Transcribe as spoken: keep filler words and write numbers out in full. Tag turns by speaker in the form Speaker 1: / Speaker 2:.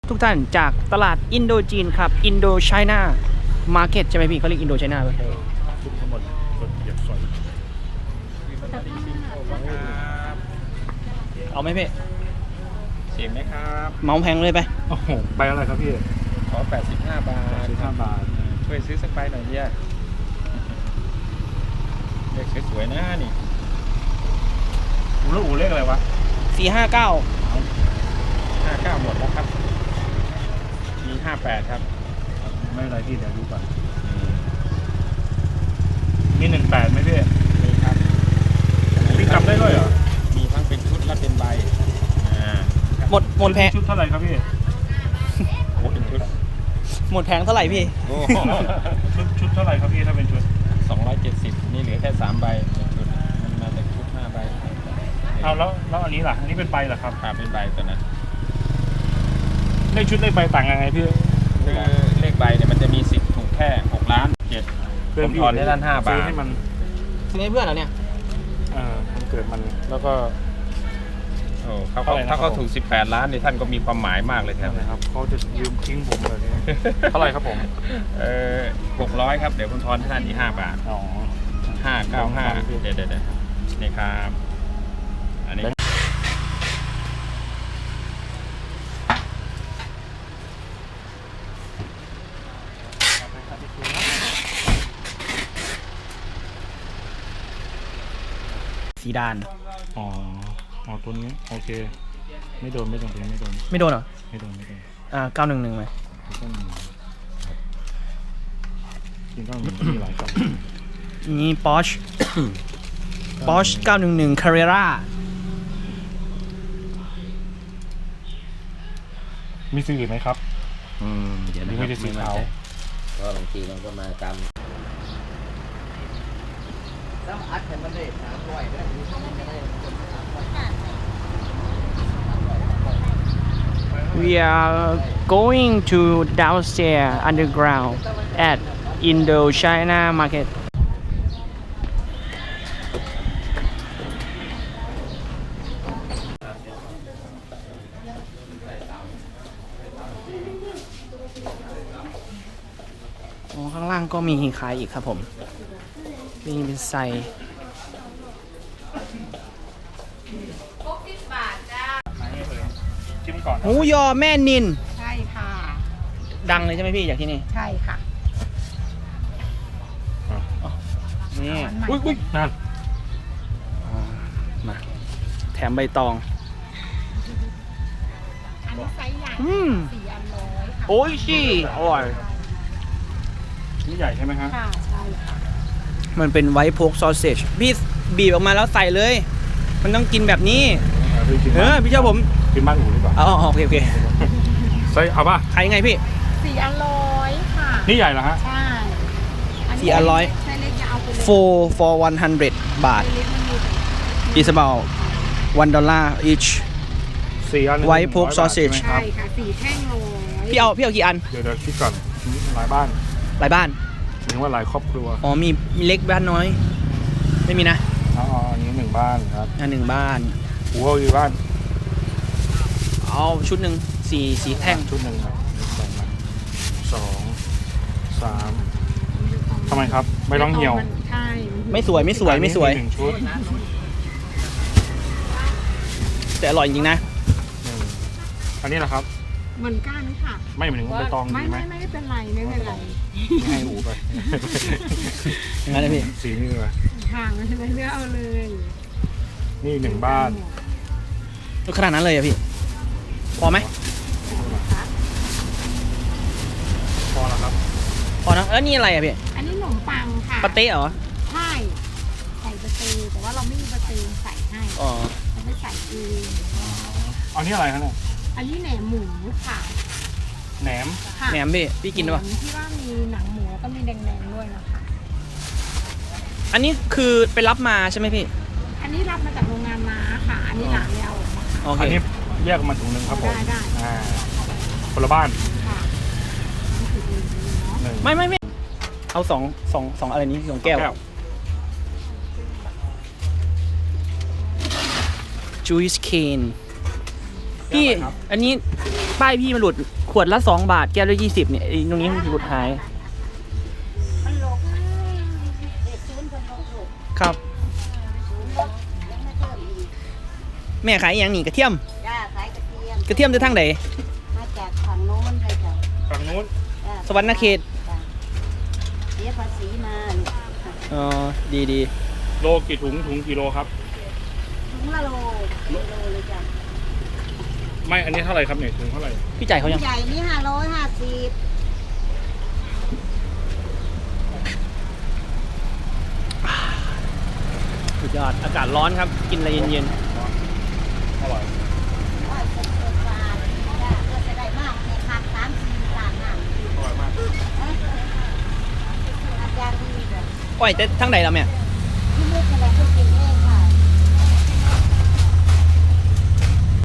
Speaker 1: ทุกท่านจากตลาดอินโดจีนครับอินโดไชน่ามาร์เก็ตใช่ไหมพี่เขาเรียกอินโดไชน่าป่ะ
Speaker 2: ทุกทั้งหมดรถเหยียบสอย
Speaker 1: เอาไหมพี่
Speaker 3: เสียงไหมครับ
Speaker 1: เมาแพงเลยไป
Speaker 2: โอ้โหใบอะไรครับพี่
Speaker 3: ขอแปดสิบห้าบาท
Speaker 2: สิบห้าบาท
Speaker 3: ช่วยซื้อสักใบหน่อยเนี่ยเลขสวยๆนะนี่
Speaker 2: อูแล้วอูเลขอะไรวะ
Speaker 1: สี่ห้าเก้า
Speaker 3: ห้าเก้าหมดแล้วครับมีห้าแปดครับ
Speaker 2: ไม่อะไรพี่เดี๋ยวดูก่อนมีหนึ่งแปดไหมพี่
Speaker 3: มีครับ
Speaker 2: พี่จำได้ด้วยเหรอ
Speaker 3: มีทั้งเป็นชุดและเป็นใบอ่า
Speaker 1: หมดหมดแพง
Speaker 2: ชุดเท่าไหร่ครับพี่
Speaker 3: โอ้เป็นชุด
Speaker 1: หมดแพงเท่าไหร่พี่
Speaker 2: ชุดชุดเท่าไหร่ครับพี่ถ้าเป็นชุด
Speaker 3: สองร้อยเจ็ดสิบนี่เหลือแค่สามใบชุดมันมาจากชุดห้าใบ
Speaker 2: เอาแล้วแล้วอันนี้ล่ะอันนี้เป็นใบเหรอครับ
Speaker 3: ครับเป็นใบตัวนั้น
Speaker 2: เลขชุดเลขใบต่างยังไงพี่
Speaker 3: คือเลขใบเนี่ยมันจะมีสิทธิ์ถูกแค่หกล้านเจ็ดผมถอนได้ด้านห้าบาท
Speaker 2: ให้มัน
Speaker 1: ซื้อให้เพื่อนเหรอเนี่ย
Speaker 2: เออมันเกิดมันแล้วก็
Speaker 3: โอ้เขาถ้าเขาถูกสิบแปดล้านนี่ท่านก็มีความหมายมากเลยครับ
Speaker 2: ครับเขาจะยืมทิ้งผมเลยเท่าไหร่ครับผม
Speaker 3: เออหกร้อยครับเดี๋ยวผมทอนให้ท่านอีกห้าบาท
Speaker 2: อ๋อ
Speaker 3: ห้าเก้าห้าเดี๋ยวเดี๋ยวนี่ครับอันนี้
Speaker 1: สีดาน
Speaker 2: อ๋ออ๋อตัวนี้โอเคไม่โดนไม่โดนตัวนี้ไม่โดน
Speaker 1: ไม่โดนเหรอ
Speaker 2: ไม่โดนไม่โดน
Speaker 1: อ่าเก้าหนึ่งหนึ่งไหม
Speaker 2: จริงก็มีหลายกล่อง
Speaker 1: นี่ปอชปอชเก้าหนึ่งหนึ่งคาเรร่า
Speaker 2: มีซื้อไหมครับ
Speaker 3: อืมเดี๋ยว
Speaker 2: ไม่ได้สีขาว
Speaker 3: ก็บางทีมันก็มาตาม
Speaker 1: ต้องอัดให้มันได้สามร้อยด้วยWe are going to downstairs underground at Indochina Market. อ๋อข้างล่างก็มีขายอีกครับผมนี่เป็นไซหมูยอแม่นิน
Speaker 4: ใช่ค่ะ
Speaker 1: ดังเลยใช่ไหมพี่จากที่นี่
Speaker 4: ใช่ค่ะ
Speaker 1: นี่
Speaker 2: อุ้ยอุ้ยนั่น
Speaker 1: มาแถมใบตอง
Speaker 4: อันนี้ไซส์ใหญ่สี่อันร้อยค่ะ
Speaker 1: โอ้ยชี่อร่อย
Speaker 2: นี่ใหญ่ใช่ไหมครับ
Speaker 4: ค่ะใช่ค่ะ
Speaker 1: มันเป็นไวท์โพกซอสเซจพี่บีบออกมาแล้วใส่เลยมันต้องกินแบบนี้เออพี่เจ้าผม
Speaker 2: กินบ้านอูดีกว่า
Speaker 1: อ๋อโอเคโอเค
Speaker 2: ใส่เอาป่ะ
Speaker 1: ขายยังไงพี่
Speaker 4: สี่อันร้อยค่ะ
Speaker 2: นี่ใหญ่เหรอฮะ
Speaker 4: ใช่
Speaker 1: สี่อันร้อย four for one hundred บาท is about one dollar each
Speaker 2: สี่อัน
Speaker 1: white pork sausage
Speaker 4: ใช่ค่ะสี่แท่งร้อย
Speaker 1: พี่เอาพี่เอากี่อัน
Speaker 2: เดี๋ยวเดี๋ยวคิดก่อนหลายบ้าน
Speaker 1: หลายบ้าน
Speaker 2: หมายถึงว่าหลายครอบครัว
Speaker 1: อ๋อมีมีเล็กบ้านน้อยไม่มีนะ
Speaker 2: อ๋ออันนี้หนึ่งบ้านครับ
Speaker 1: อันหนึ่งบ้าน
Speaker 2: หัวอยู่บ้าน
Speaker 1: เอาชุดหนึ่งสี่สี่แท่ง
Speaker 2: ชุดหนึ่งครับสองสามทำไมครับไม่ต้องเหี่ยว
Speaker 4: ใช่
Speaker 1: ไม่สวยไม่สวยไม่สวย
Speaker 2: ชุด
Speaker 1: แต่อร่อยจริงๆนะ
Speaker 2: อันนี้แหละครับ
Speaker 4: เหมือนกันค่ะ
Speaker 2: ไม่เหมือนใบตอง
Speaker 4: ไม่ไม่ไม่เป็นไรไม่เป็นไร
Speaker 2: ไม่ให้หูไป
Speaker 1: งั้นเลยพี่
Speaker 2: สีนี่เลย
Speaker 4: ห่างเลยเลือกเอาเลย
Speaker 2: นี่หนึ่งบ้าน
Speaker 1: ขนาดนั้นเลยอะพี่พอไหม
Speaker 2: พอแล้วครับ
Speaker 1: พอนะแล้วนี่อะไรอะพี่
Speaker 4: อันนี้ขนมปังค่ะ
Speaker 1: ปาเต้เหรอ
Speaker 4: ใช่ใส่ปาเต้แต่ว่าเราไม่มีปาเต้ใส่ให้
Speaker 1: อ๋อ
Speaker 4: เราไม่ใส่เอง
Speaker 2: อันนี้อะไรครับเนี่ย
Speaker 4: อันนี้แหนมหมูค่ะ
Speaker 2: แหนม
Speaker 1: แหนมพี่พี่กินป่ะ
Speaker 4: ที่ว่ามีหนังหมูก็มีแดงๆด้วยนะคะ
Speaker 1: อันนี้คือไปรับมาใช่ไหมพี่
Speaker 4: อันนี้รับมาจากโรงงานม้าค่ะอันนี้หลานแล้ว
Speaker 2: อันนี้แยกมาถุงหนึ่งครับผม
Speaker 4: ได้ได้
Speaker 2: คนละบ้าน
Speaker 4: ค่ะ
Speaker 1: ไม่ไม่ไม่เอาสองสองสองอะไรนี้สองแก้ว juice cane พี่อันนี้ป้ายพี่มันหลุดขวดละสองบาทแก้วละยี่สิบเนี่ยไอ้ตรงนี้มันหลุดหาย
Speaker 4: มันหลกเด็กศูนย์คนหลกหลก
Speaker 1: ครับ
Speaker 4: ศูนย์ลดยังไม่เพิ่มอีก
Speaker 1: แม่ขายอหย่างนี้กระเทียม
Speaker 4: จ้าขายกระเทียม
Speaker 1: กระเทียมจะทั้งใด
Speaker 4: มาจากฝั่งโน้นเลยจ้ะ
Speaker 2: ฝั่งนู้น
Speaker 4: จ้ะ
Speaker 1: สวรรณเขต
Speaker 4: จ้ะเสียภาษีมาลูก
Speaker 1: อ๋อดีดี
Speaker 2: โลกี่ถุงถุงกี่โลครับ
Speaker 4: ถุงละโลกิโลเลยจ้ะ
Speaker 2: ไม่อันนี้เท่าไหร่ครับเนี่ยถุงเท่าไหร่
Speaker 1: พี่จ่ายเขายัง
Speaker 4: ใหญ่นี่ห้าร้อยห้าสิบ
Speaker 1: สุดยอดอากาศร้อนครับกินอะไรเย็น
Speaker 2: อร่อย
Speaker 4: ร้อยสิบเอ็ดบาทจ้ะเพื่อจะได้มากในคักสามสี่ล้านน่ะ
Speaker 2: อร่อยมาก
Speaker 4: อาจารย์ดีจ้ะ
Speaker 1: ๆอ้อยแต่ทั้งใดแล้วแม่